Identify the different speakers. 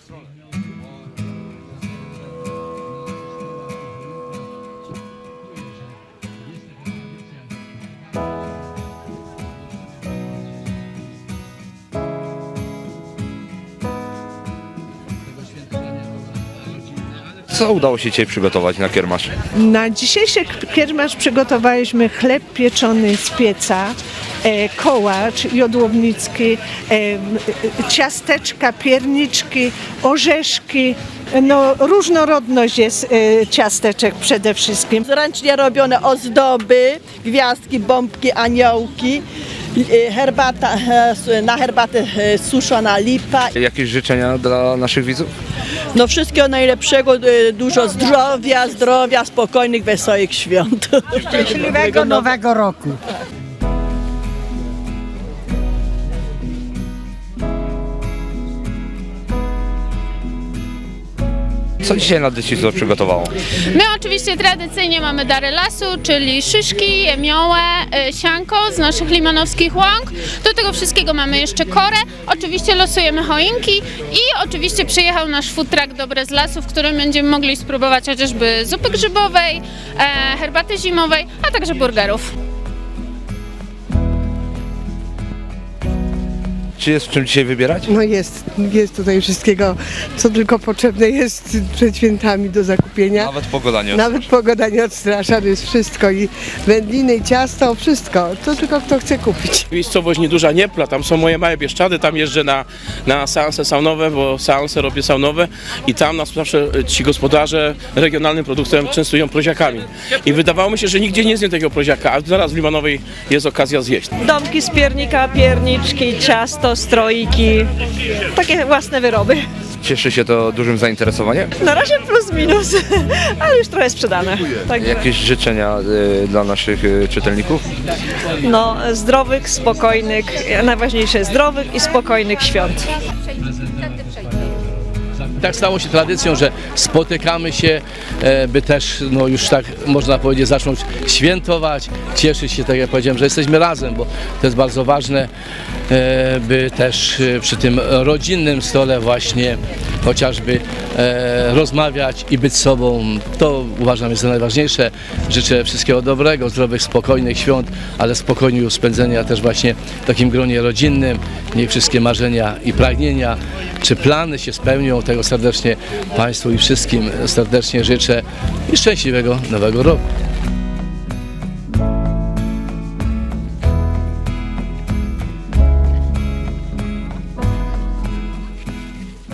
Speaker 1: stronę.
Speaker 2: Co udało się dzisiaj przygotować na kiermasz?
Speaker 3: Na dzisiejszy kiermasz przygotowaliśmy chleb pieczony z pieca, kołacz jodłownicki, ciasteczka, pierniczki, orzeszki. No, różnorodność jest ciasteczek przede wszystkim.
Speaker 4: Ręcznie robione ozdoby, gwiazdki, bombki, aniołki, herbata, na herbatę suszona lipa.
Speaker 2: Jakieś życzenia dla naszych widzów?
Speaker 4: No wszystkiego najlepszego, dużo zdrowia, spokojnych, wesołych świąt.
Speaker 5: Szczęśliwego Nowego Roku.
Speaker 2: Co dzisiaj Nadleśnictwo przygotowało?
Speaker 6: My oczywiście tradycyjnie mamy dary lasu, czyli szyszki, jemiołę, sianko z naszych limanowskich łąk. Do tego wszystkiego mamy jeszcze korę. Oczywiście losujemy choinki i oczywiście przyjechał nasz food truck Dobre z Lasu, w którym będziemy mogli spróbować chociażby zupy grzybowej, herbaty zimowej, a także burgerów.
Speaker 2: Czy jest w czym dzisiaj wybierać?
Speaker 7: No jest tutaj wszystkiego, co tylko potrzebne jest przed świętami do zakupienia.
Speaker 2: Nawet pogoda nie
Speaker 7: Nawet pogoda nie odstrasza, to jest wszystko i wędliny, i ciasto, wszystko. To tylko kto chce kupić.
Speaker 8: Miejscowość nieduża Niepla, tam są moje małe Bieszczady, tam jeżdżę na seanse saunowe, bo seanse robię saunowe i tam nas zawsze ci gospodarze regionalnym produktem częstują proziakami. I wydawało mi się, że nigdzie nie zjem takiego proziaka, a zaraz w Limanowej jest okazja zjeść.
Speaker 9: Domki z piernika, pierniczki, ciasto, stroiki, takie własne wyroby.
Speaker 2: Cieszy się to dużym zainteresowaniem?
Speaker 9: Na razie plus minus, ale już trochę sprzedane. Także,
Speaker 2: Jakieś życzenia dla naszych czytelników?
Speaker 9: no, zdrowych, spokojnych, najważniejsze zdrowych i spokojnych świąt.
Speaker 10: Tak stało się tradycją, że spotykamy się, by też, no już tak można powiedzieć, zacząć świętować, cieszyć się, tak jak powiedziałem, że jesteśmy razem, bo to jest bardzo ważne, by też przy tym rodzinnym stole właśnie chociażby rozmawiać i być sobą. To uważam jest za najważniejsze. Życzę wszystkiego dobrego, zdrowych, spokojnych świąt, ale spokojnie spędzenia też właśnie w takim gronie rodzinnym. Niech wszystkie marzenia i pragnienia czy plany się spełnią. Tego serdecznie Państwu i wszystkim serdecznie życzę i szczęśliwego Nowego Roku.